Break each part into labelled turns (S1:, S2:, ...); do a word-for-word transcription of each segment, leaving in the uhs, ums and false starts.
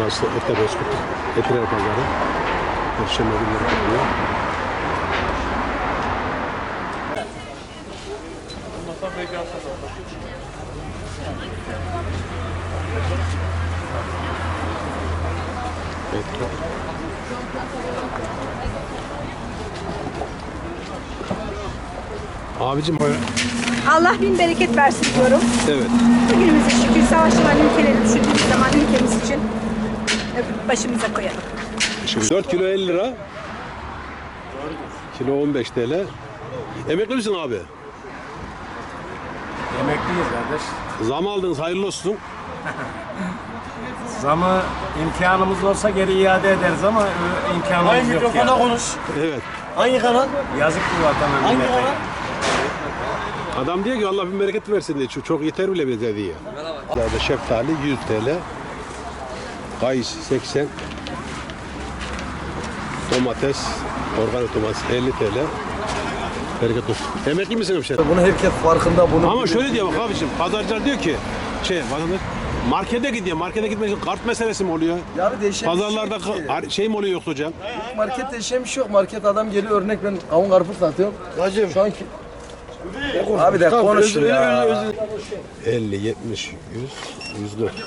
S1: Burası Etebozkurt, Etiler Pazarı. Perşembe günleri kuruluyor. Evet. Abicim
S2: Allah bin bereket versin diyorum.
S1: evet.
S2: Bugünümüze şükür savaşçıların ülkeleri düşündüğümüz zaman ülkemiz için başımıza koyalım.
S1: dört kilo elli lira. Kilo on beş T L. Emekli misin abi?
S3: Emekliyiz kardeş.
S1: Zam aldınız, hayırlı olsun.
S3: Zamı imkanımız olsa geri iade ederiz ama e, imkanımız
S4: Hangi
S3: yok
S4: mikrofona
S3: yani.
S4: konuş?
S1: Evet.
S4: Hangi kanal?
S3: Yazık bu vatana
S4: Hangi
S3: millete.
S4: kanal?
S1: Adam diyor ki Allah bin bereket versin diye. Çok yeter bile bize diyor. Merhaba. Şeftali yüz T L. Kayısı seksen. Domates, organik domates elli T L. Bereket olsun. Emekli misin hemşehrim?
S4: Bunu herkes farkında bunu.
S1: Ama şöyle diyor bak abiciğim, pazarcılar diyor ki şey vatandaş markete gidiyor. Markete gitmek için kart meselesi mi oluyor?
S4: Ya bir değişen
S1: Pazarlarda
S4: bir şey yok ki.
S1: ka- şey mi oluyor yoksa hocam?
S4: Market değişen bir şey yok. Market adam geliyor örnek ben kavun karpuz satıyorum. Hacım. Şu anki... Abi de konuş ya.
S1: elli, yetmiş, yüz, yüz dört.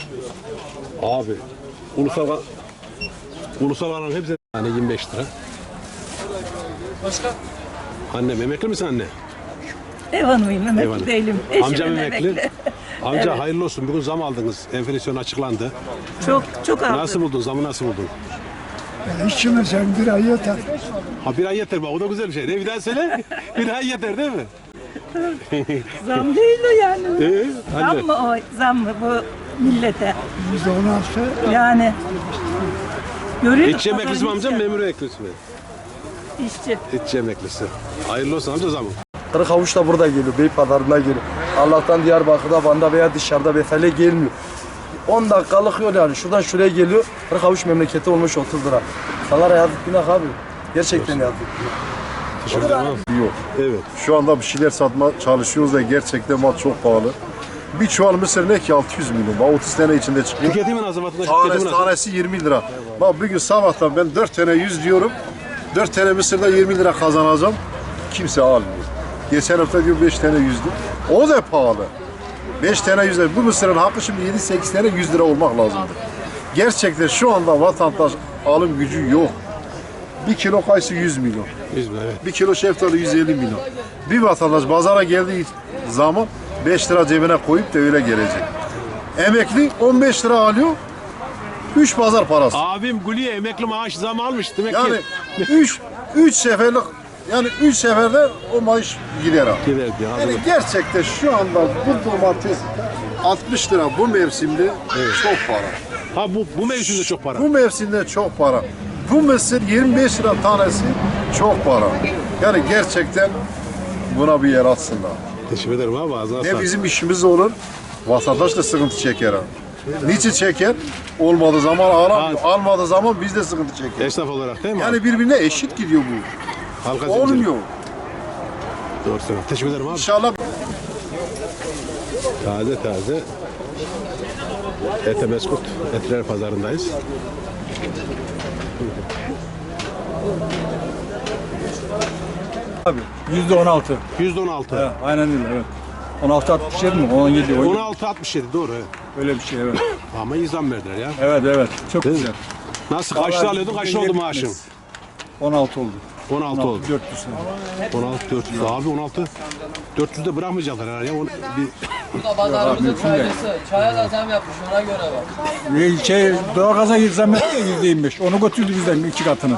S1: Abi ulusal ulusal alan hepsi yani yirmi beş lira.
S4: Başka?
S1: Annem emekli misin anne?
S2: Ev hanımıyım, emekli
S1: Eyvallah.
S2: değilim. Eşim
S1: Amcam emekli. Amca
S2: Evet.
S1: hayırlı olsun. Bugün zam aldınız. Enflasyon açıklandı.
S2: Çok çok aldım.
S1: Nasıl buldun? Zamı nasıl buldun?
S5: İşime sen bir ay yeter.
S1: Ha bir ay yeter bak o da güzel bir şey. Ne bir daha söyle? Bir ay yeter değil mi?
S2: Zam değil o yani.
S1: Ee,
S2: Zam
S1: anne.
S2: mı o? Zam mı bu millete?
S5: Yüzde on altı.
S2: Yani. Görüyor
S1: İşçi emeklisi mi amcam, memur emeklisi mi?
S2: İşçi.
S1: İşçi emeklisi. Hayırlı olsun amca zamı.
S4: Kırık havuç da burada geliyor. Beypazarı'na geliyor. Allah'tan Diyarbakır'da, Van'da veya dışarıda mesele gelmiyor. on dakikalık yol yani. Şuradan şuraya geliyor. Kırık havuç memleketi olmuş otuz lira. Salara yazık günah abi. Gerçekten yazık.
S1: Teşekkür ederim abi.
S6: Yok.
S1: Evet.
S6: Şu anda bir şeyler satma çalışıyoruz da gerçekten mal çok pahalı. Bir çuval mısır ne ki altı yüz milyon. Bak otuz sene içinde çıkıyor.
S1: Tüketimi nasıl vatandaş? Tüketimi
S6: Tanesi,
S1: nasıl?
S6: tanesi yirmi lira. Bak bugün sabahtan ben dört tane yüz diyorum. dört tane mısırda yirmi lira kazanacağım. Kimse almıyor. Geçen hafta diyor beş tane yüzdü. O da pahalı. beş tane yüz lira. Bu mısırın hakkı şimdi yedi sekiz tane yüz lira olmak lazımdır. Gerçekten şu anda vatandaş alım gücü yok. Bir kilo kayısı yüz milyon.
S1: yüz lira, evet.
S6: Bir kilo şeftali yüz elli milyon. Bir vatandaş pazara geldiği zaman beş lira cebine koyup da öyle gelecek. Emekli on beş lira alıyor. üç pazar parası.
S1: Abim Gülü'ye emekli maaş zam almış demek
S6: Yani
S1: ki.
S6: üç üç seferlik yani üç seferde o maaş gider abi.
S1: Gider diyor.
S6: Yani gerçekten şu anda bu domates altmış lira bu mevsimde çok para.
S1: Ha bu bu mevsimde çok para.
S6: Bu mevsimde çok para. Bu mısır yirmi beş lira tanesi çok para. Yani gerçekten buna bir yer atsınlar.
S1: Teşekkür ederim abi ağzına
S6: Ne
S1: sağlık.
S6: bizim işimiz olur, vatandaş da sıkıntı çeker abi. Niçin çeker? Olmadığı zaman ağlamıyor, almadığı zaman biz de sıkıntı çeker.
S1: Esnaf olarak değil mi?
S6: Yani birbirine eşit gidiyor bu.
S1: Halka zinciri.
S6: Olmuyor.
S1: Doğru söylüyorsun. Teşekkür ederim abi.
S6: İnşallah
S1: Taze taze Etebozkurt Etiler Pazarı'ndayız.
S7: Abi yüzde on altı.
S1: yüzde on altı.
S7: Evet, aynen öyle evet. on altı altmış yedi mi? on yedi.
S1: on altı altmış yedi doğru evet.
S7: Öyle bir şey evet.
S1: Ama iyi zam verdiler ya.
S7: Evet evet. Çok
S1: Değil mi?
S7: güzel.
S1: Nasıl kaçta alıyordun kaçta oldu maaşın?
S7: on altı oldu.
S1: on altı oldu.
S7: dört yüz lira.
S1: on altı dört yüz abi on altı dört yüz de bırakmayacaklar herhalde ya. Onu bir
S8: Pazarımızın çaycısı. Çaya da zam yapmış ona göre bak.
S7: Ee, Şey, doğalgaza zam etti ya yüzde yirmi beş. Onu götürdü bizden iki katını.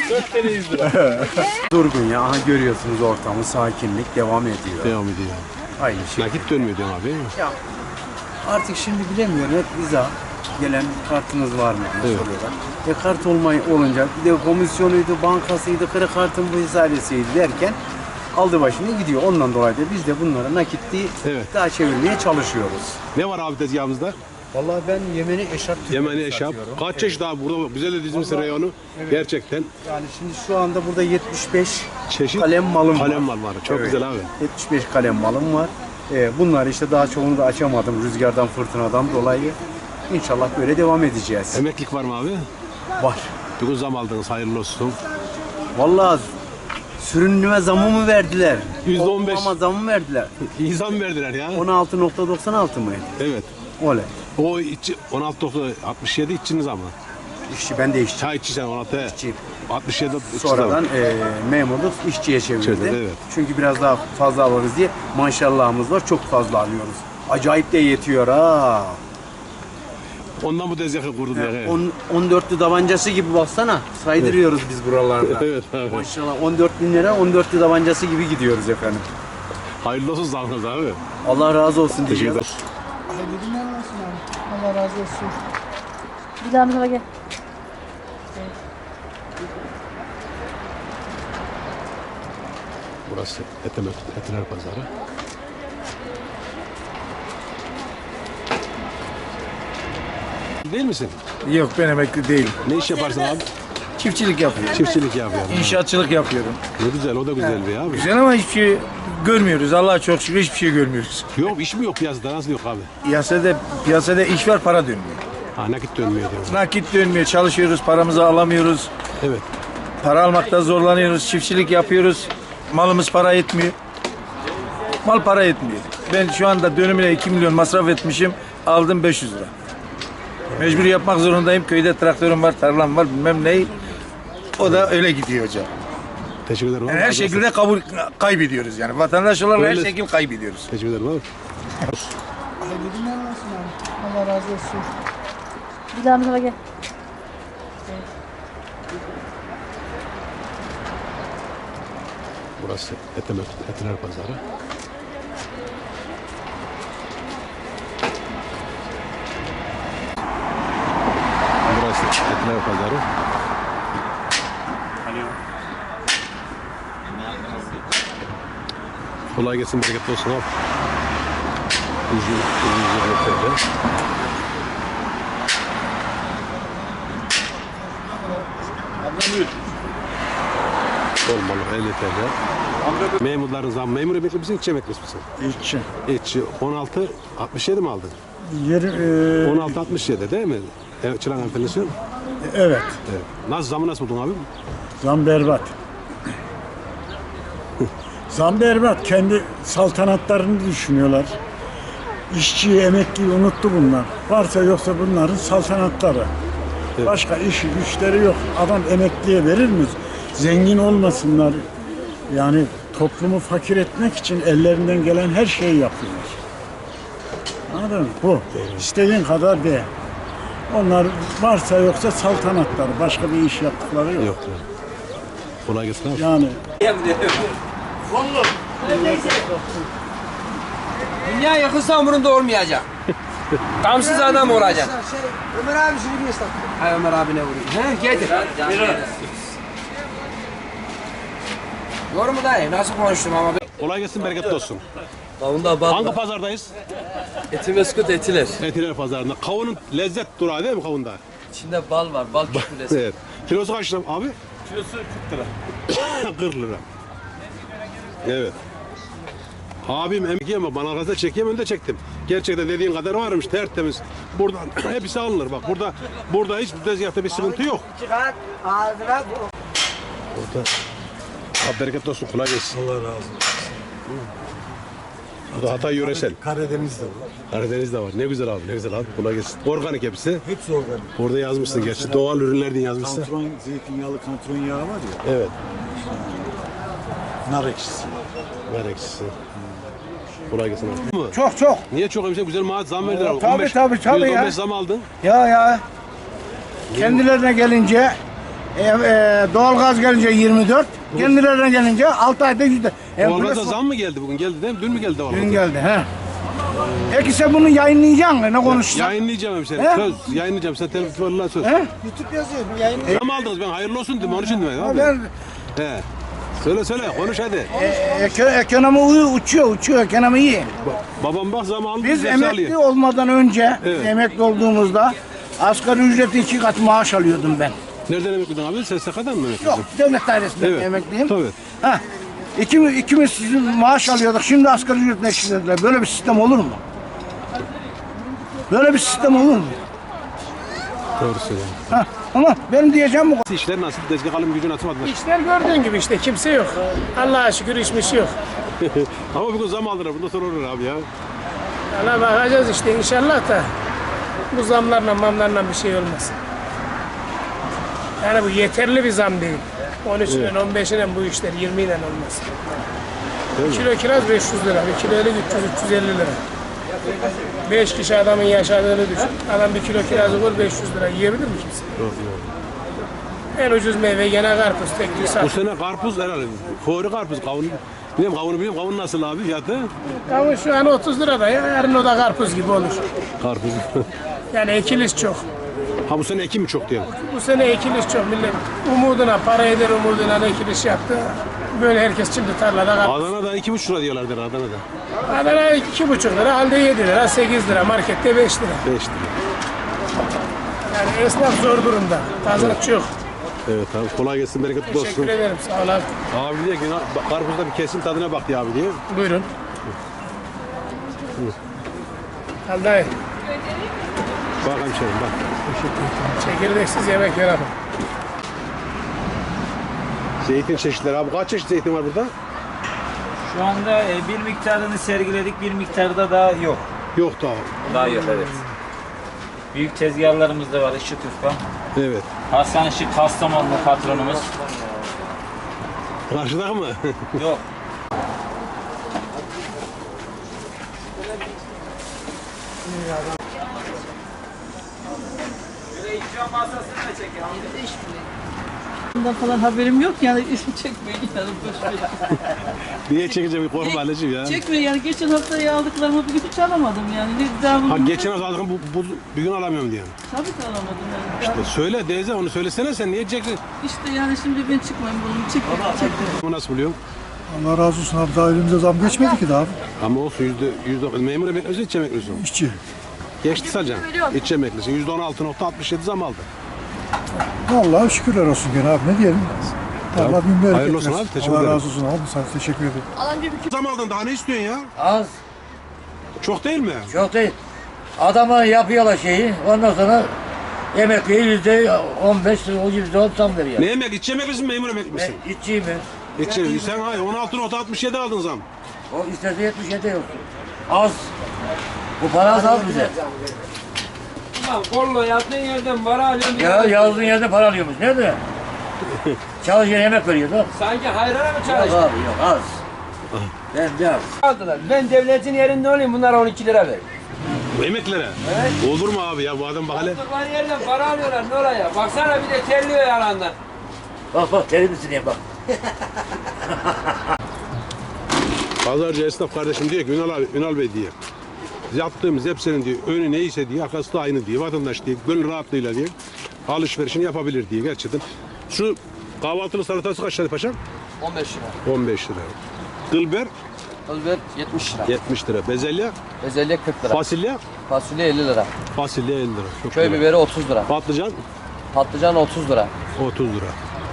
S9: Durgun ya. Aha görüyorsunuz ortamı, sakinlik devam ediyor.
S1: devam ediyor.
S9: Aynı şey.
S1: Nakit dönmüyor diyorum abi değil mi?
S9: Ya artık şimdi bilemiyorum. Hep bize gelen kartınız var mı diye
S1: Evet.
S9: soruyorlar. E kart olmay olunca bir de komisyonuydu, bankasıydı, kredi kartın bu hesabesiydi derken aldı başını gidiyor. Ondan dolayı da biz de bunlara nakitli
S1: Evet.
S9: daha çevirmeye çalışıyoruz.
S1: Ne var abi tezgahımızda?
S9: Vallahi ben Yemeni eşarp
S1: Yemeni eşap. Kaç çeşit abi burada güzel de dizmişsin reyonu. Gerçekten
S9: Yani şimdi şu anda burada yetmiş beş
S1: çeşit
S9: kalem malım var.
S1: kalem mal var. Çok
S9: Evet.
S1: güzel abi.
S9: yetmiş beş kalem malım var. Ee, bunlar işte daha çoğunu da açamadım rüzgardan, fırtınadan dolayı. İnşallah böyle devam edeceğiz.
S1: Emeklilik var mı abi?
S9: Var.
S1: Bugün zam aldınız, hayırlı olsun.
S9: Vallahi sürünüme zamı mı verdiler?
S1: Yüzde on beş.
S9: Ama zamı verdiler.
S1: İyi zam verdiler ya.
S9: on altı nokta doksan altı mıydı?
S1: Evet.
S9: Oley.
S1: O içi, on altı nokta altmış yedi içiniz ama.
S9: İşçi ben de işçi.
S1: Çay içi sen on altı.
S9: İşçiyim.
S1: altmış yedi içi
S9: Sonradan e, memurluk işçiye çevirdi.
S1: Çevirdi, evet.
S9: Çünkü biraz daha fazla alırız diye maşallahımız var. Çok fazla alıyoruz. Acayip de yetiyor ha.
S1: Ondan bu tezgahı kurdum ya.
S9: On, on dörtlü tabancası gibi baksana. Saydırıyoruz biz buralarda.
S1: Evet abi.
S9: Maşallah on dört bin lira on dörtlü tabancası gibi gidiyoruz efendim.
S1: Hayırlı olsun zamınız abi.
S9: Allah razı olsun
S1: Teşekkür
S9: diyeceğiz.
S1: ederim.
S5: Hayırlı günler olsun abi. Allah razı olsun.
S2: Bir daha mı gel.
S1: Burası Etemek, Etiler Pazarı. Değil misin?
S3: Yok ben emekli değilim.
S1: Ne iş yaparsın abi?
S3: Çiftçilik yapıyorum.
S1: Çiftçilik yapıyorum.
S3: İnşaatçılık yapıyorum.
S1: Ne güzel, o da güzel bir abi.
S3: Güzel ama hiçbir şey görmüyoruz. Allah'a çok şükür hiçbir şey görmüyoruz.
S1: Yok, iş mi yok piyasada? Nasıl yok abi?
S3: Piyasada, piyasada iş var, para dönmüyor.
S1: Ha, nakit dönmüyor diyorum.
S3: Nakit dönmüyor, çalışıyoruz, paramızı alamıyoruz.
S1: Evet.
S3: Para almakta zorlanıyoruz, çiftçilik yapıyoruz. Malımız para etmiyor. Mal para etmiyor. Ben şu anda dönümüne iki milyon masraf etmişim, aldım beş yüz lira. Mecbur yapmak zorundayım. Köyde traktörüm var, tarlam var, bilmem ne. O da öyle gidiyor hocam.
S1: Teşekkür ederim.
S3: Yani
S1: abi.
S3: her
S1: Razı olsun.
S3: şekilde kabul kaybediyoruz yani. Vatandaş olarak her
S1: Öyle.
S3: şekilde kaybediyoruz.
S1: Teşekkür ederim abi.
S5: Hayırlı günler olsun abi. Allah razı olsun.
S2: Bir daha mı gel.
S1: Burası Etemek, Etiler Pazarı. Burası Etiler Pazarı. Kolay gelsin, bereketli olsun abi. Uzun, uzun, uzun, Olmalı, elli T L. Memurların zam, memur emekli misin, işçi emekli misin?
S5: İşçi.
S1: İşçi on altı altmış yedi mi aldın?
S5: Yeri, e,
S1: on altı altmış yedi değil mi? Evet, Çırak enflasyon.
S5: evet.
S1: Evet. Nasıl, zamı nasıl buldun abi?
S5: Zam berbat. Zam berbat. Kendi saltanatlarını düşünüyorlar. İşçiyi, emekliyi unuttu bunlar. Varsa yoksa bunların saltanatları.
S1: Evet.
S5: Başka işi, güçleri yok. Adam emekliye verir mi? Zengin olmasınlar. Yani toplumu fakir etmek için ellerinden gelen her şeyi yapıyorlar. Anladın mı? Bu. İstediğin kadar de. Onlar varsa yoksa saltanatları. Başka bir iş yaptıkları yok.
S1: Yok. Kolay gelsin abi.
S5: Yani
S8: Dünya yakınsa umurunda olmayacak. Gamsız adam olacak.
S5: Ömer abi şunu bir ıslat.
S8: Hay Ömer abine vurayım. He getir. Doğru mu dayı? Nasıl konuştum ama?
S1: Kolay gelsin, bereketli olsun.
S8: Kavunda bal
S1: Hangi pazardayız?
S8: Etimeskut etiler.
S1: Etiler Pazarı'nda. Kavunun lezzet durağı değil mi kavunda?
S8: İçinde bal var. Bal küpülesi.
S1: Evet. Kilosu kaç lira abi? Kilosu kırk lira. kırk lira. Evet. Abim emekli ama bana arasında çekeyim, önde çektim. Gerçekten dediğin kadar varmış, tertemiz. Buradan hepsi alınır bak. Burada burada hiç tezgahta bir sıkıntı yok. Burada abi bereketli olsun, kolay gelsin.
S7: Allah razı olsun.
S1: Bu da Hatay yöresel.
S7: Karadeniz'de var.
S1: Karadeniz'de var. Ne güzel abi, ne güzel abi. Kolay gelsin. Organik hepsi.
S7: Hepsi organik.
S1: Orada yazmışsın gerçi. Doğal ürünler diye yazmışsın.
S7: Kantron, zeytinyağlı kantron yağı var ya.
S1: Evet.
S7: Nar ekşisi.
S1: Ver ekşisi. Kolay gelsin abi.
S3: Çok çok.
S1: Niye çok hemşire güzel maaş zam verdiler abi.
S3: Tabii,
S1: on beş,
S3: tabii, tabii
S1: yüzde on beş
S3: ya.
S1: zam aldın.
S3: Ya ya. Kendilerine gelince e, e, doğalgaz gelince yirmi dört, kendilerine gelince altı ayda yüzde. E,
S1: Doğalgaza
S3: burası-
S1: zam mı geldi bugün? Geldi değil mi? Dün mü geldi doğalgaza?
S3: Dün geldi he. Peki sen bunu yayınlayacaksın mı? Ne konuşacaksın?
S1: Yayınlayacağım hemşire.
S3: He?
S1: Söz. Yayınlayacağım. Sen telefonla söz.
S3: He?
S5: YouTube yazıyor. Yayın
S1: Zam aldınız, ben hayırlı olsun dedim. Onun için demedim abi.
S3: Ben,
S1: He. Söyle söyle, konuş hadi.
S3: e, eko- ekonomi uyu- uçuyor, uçuyor, ekonomi iyi.
S1: Babam bak zam aldı.
S3: Biz
S1: hepsi
S3: emekli
S1: alıyor.
S3: olmadan önce,
S1: Evet.
S3: emekli olduğumuzda asgari ücreti iki kat maaş alıyordum ben.
S1: Nereden emekliydin abi? S S K'dan mı emekliydin?
S3: Yok, devlet dairesinden
S1: Evet.
S3: emekliyim.
S1: Tabii.
S3: Ha, ikimiz, ikimiz sizin maaş alıyorduk, şimdi asgari ücretle eşitlediler. Böyle bir sistem olur mu? Böyle bir sistem olur mu?
S1: Doğru söylüyorsun.
S5: Ha, ama benim diyeceğim bu.
S1: İşler nasıl? Tezgah alım gücünü atmadılar.
S10: İşler gördüğün gibi işte kimse yok. Allah'a şükür işmiş yok.
S1: Ama bugün zam aldılar. Bundan sonra olur abi ya.
S10: Valla bakacağız işte inşallah da bu zamlarla mamlarla bir şey olmaz. Yani bu yeterli bir zam değil. on üç ile on beş ile bu işler yirmi ile olmaz. Bir kilo kiraz beş yüz lira, bir kilo elik üç yüz üç yüz elli lira. beş kişi adamın yaşadığını düşün. Adam bir kilo kirazı vur beş yüz lira yiyebilir mi kimse? En ucuz meyve gene karpuz, tek bir
S1: Bu
S10: saat.
S1: sene karpuz herhalde. Fori karpuz. Kavun. Bilmiyorum kavunu biliyorum. Kavun nasıl abi fiyatı?
S10: Kavun şu an otuz lirada ya, yarın o da karpuz gibi olur.
S1: Karpuz.
S10: Yani ekiliş çok.
S1: Ha bu sene ekim mi çok diyelim?
S10: Bu sene ekiliş çok millet. Umuduna, para eder umuduna ekiliş yaptı. Böyle herkes şimdi tarlada karpuz.
S1: Adana'da iki buçuk lira diyorlardır Adana'da.
S10: Adana iki buçuk lira, halde yedi lira, sekiz lira, markette beş lira.
S1: Beş lira.
S10: Yani esnaf zor durumda. Pazarlık yok.
S1: Evet abi kolay gelsin bereketli olsun.
S10: Teşekkür ederim, sağ ol abi.
S1: Abi diyor ki "Na- karpuzda bir kesim tadına bak diye abi diye.
S10: Buyurun. Al dayı,
S1: Bak hemşerim bak.
S10: çekirdeksiz yemek yaramam.
S1: Zeytin çeşitleri abi kaç çeşit zeytin var burada?
S11: Şu anda e, bir miktarını sergiledik, bir miktarda daha yok.
S1: Yok daha.
S11: Daha yok, evet. Büyük tezgahlarımız da var, Işık Ufka.
S1: Evet.
S11: Hasan Işık Kastamonlu patronumuz.
S1: Karşıda mı?
S11: Yok.
S8: Bundan falan haberim yok yani isim çekmeyin yani boş ver.
S1: Niye çekeceğim bir korkma anneciğim ya.
S8: Çekmeyin yani geçen hafta aldıklarımı bugün hiç alamadım yani. Ne daha
S1: Ha
S8: bugün
S1: geçen hafta aldım bu, bu bugün alamıyorum diye.
S8: tabii ki alamadım yani.
S1: İşte söyle teyze onu söylesene sen niye çektin?
S8: İşte yani şimdi ben çıkmayayım bunu çekmeyin çekmeyin.
S1: Bunu nasıl buluyorsun?
S5: Allah razı olsun abi, daha elimize zam geçmedi ki daha abi.
S1: Ama olsun yüzde yüzde memur emeklisin iççi emeklisin.
S5: İşçi.
S1: Geçti Salcan. İççi emeklisin. Yüzde on altı nokta altmış yedi zam aldı.
S5: Vallahi şükürler olsun gene abi, ne diyelim. Allah bin bereket
S1: hayırlı olsun
S5: versin.
S1: abi, teşekkür
S5: Allah
S1: ederim.
S5: razı olsun abi, sana teşekkür ederim.
S1: Zam aldın daha ne istiyorsun ya?
S12: Az,
S1: Çok değil mi?
S12: çok değil. Adama yapıyorlar şeyi, ondan sonra emekliye yüzde on beş, o yüzde on zam veriyor.
S1: Ne emek? İççi emeklisin memur emekli misin?
S12: Ben iççiyim ben.
S1: İççi. Sen hayır on altı nokta altmış yedi aldın zam.
S12: O istese yetmiş yedi yok. Az. Bu para az az bize.
S8: Kollo yazdığın yerden para alıyorum.
S12: Ya yazdığın yerde para alıyormuş. Nerede? Çalışan yemek veriyor da.
S8: Sanki hayrana mı
S12: Yok
S8: çalıştın?
S12: abi yok az. Ben de az.
S8: Aldılar. Ben devletin yerinde olayım bunlara on iki lira ver.
S1: Bu emeklilere. Evet. Olur mu abi ya bu adam bak hele.
S8: Aldıkları yerden para alıyorlar ne olaya? Baksana bir de terliyor yalandan.
S12: Bak bak terim diye bak.
S1: Pazarcı esnaf kardeşim diyor ki Ünal abi, Ünal Bey diye. Yaptığımız hepsinin diyor önü neyse diye arkası da aynı diye. Vatandaş diye gönül rahatlığıyla diye alışverişini yapabilir diye gerçekten. Şu kahvaltılı salatası kaç lira paşam?
S8: on beş lira.
S1: on beş lira. Kılber
S8: Özbek yetmiş lira.
S1: yetmiş lira. Bezelye,
S8: Bezelye kırk lira.
S1: fasulye,
S8: Fasulye elli lira.
S1: fasulye elli lira. Çok
S8: Köy
S1: güzel.
S8: biberi otuz lira.
S1: Patlıcan
S8: Patlıcan otuz lira.
S1: otuz lira.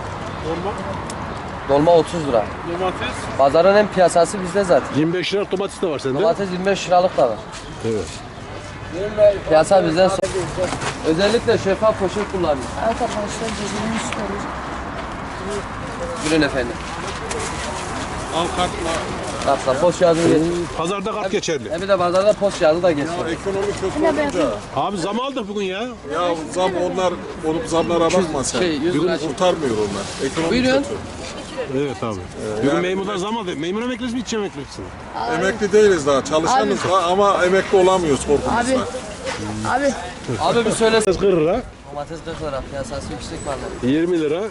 S8: Dolma otuz lira.
S1: Domates
S8: Pazarın en piyasası bizde zaten.
S1: yirmi beş lira domates de var sende.
S8: Domates yirmi beş liralık da var.
S1: Evet.
S8: Piyasa bizden sonra. Özellikle şeffaf poşet kullanıyor.
S2: Evet arkadaşlar cebini çıkarıyor.
S8: Buyurun efendim.
S1: Al kartla.
S8: Kartla post kağıdını getir.
S1: Pazarda kart geçerli.
S8: Hem de pazarda post kağıdı da geçiyor.
S6: Ekonomi kötü olunca.
S1: Abi zam aldık bugün ya.
S6: Ya zam onlar, olup zamlara bakma sen.
S8: Şey, yüz lira.
S6: Kurtarmıyor onlar. Ekonomi
S8: Buyurun.
S6: kötü.
S1: Evet abi. Bugün memurlar zam aldı. Memur emeklisi mi iççi emeklisin?
S6: Emekli değiliz daha. Çalışanız da ama emekli olamıyoruz korkumuzdan.
S2: Abi
S8: Abi bir söyle.
S1: kırk lira,
S8: Domates kırk lira. Piyasası yüksek vallahi.
S1: yirmi lira,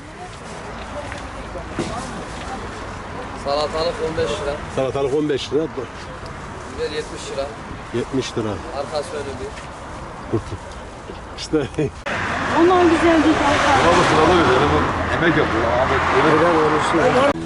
S8: Salatalık on beş lira.
S1: salatalık on beş lira,
S8: Biber yetmiş lira.
S1: yetmiş lira.
S8: Arkası önü bir.
S1: İşte
S2: onlar güzel değil.
S6: Emek yapıyor.